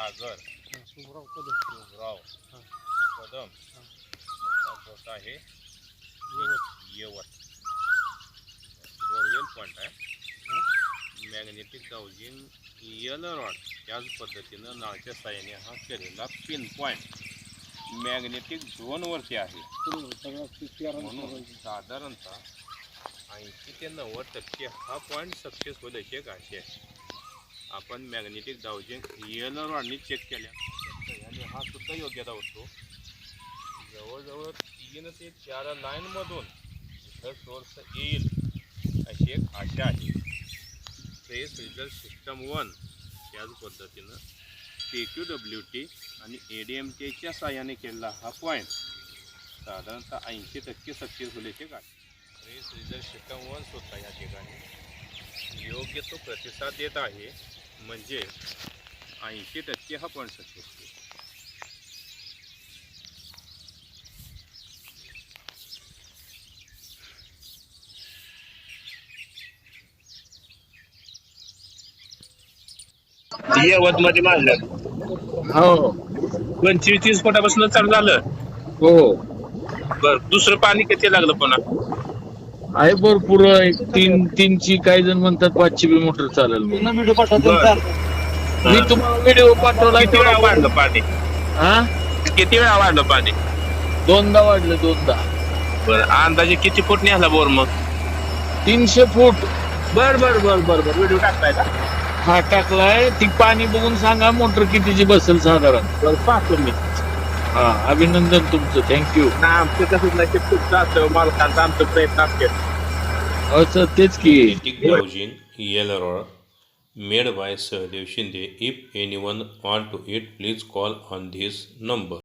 सागर शुभराव कदम. शिवराव हां. कदम हां. मोठा घोट आहे यवत बोरवेल पॉईंट आहे. मॅग्नेटिक डाउजिंग यल रॉड त्याच पद्धतीनं नाळच्या साह्याने हा केलेला पिन पॉईंट मॅग्नेटिक झोनवरती आहे. म्हणून साधारणतः 80 ते 90% हा पॉईंट सक्सेस होण्याची एक आशा आहे. आपण मॅग्नेटिक डाउजिंग यल रॉडनी चेक केल्या आणि हा सुद्धा योग्य धावतो. जवळजवळ 3 ते 4 लाईनमधून इथं सोर्स येईल अशी एक आशा आहे. ट्रेस रिझल्ट सिस्टम 1 त्याच पद्धतीनं PQWT आणि ADMTच्या साह्याने केलेला हा पॉईंट साधारणतः 80% सक्सेस होण्याचे काय. ट्रेस रिझल्ट सिस्टम 1 सुद्धा या ठिकाणी योग्य तो प्रतिसाद देत आहे. म्हणजे 80% हा पॉईंट सक्सेस होईल. यवत मध्ये मारलं. हो 25-30 फुटापासून चालू झालं. हो बर दुसरं पाणी किती लागलं पुन्हा? आहे भरपूर. एक तीनची काही जण म्हणतात 5ची बी मोटर चालेल. मी तुम्हाला व्हिडिओ पाठवला. किती वेळा वाढलं पाणी? हा किती वेळा वाढलं पाणी? 2दा वाढलं 2दा. बर अंदाजे किती फूट निघाला बोर मग? 300 फूट. बर बर बर बर बर व्हिडिओ टाकताय का? हा टाकलाय. ती पाणी बघून सांगा मोटर कितीची बसेल साधारण. बर पाहतो मी. हा अभिनंदन तुमचं. थँक्यू. ना आमचं कसं नाही खूप जास्त मालकांचा आमचा प्रयत्न असते. असं तेच की Magnetic Dowsing Yellow Rod made by Sahadev Shinde. If anyone want to it, please call on this number.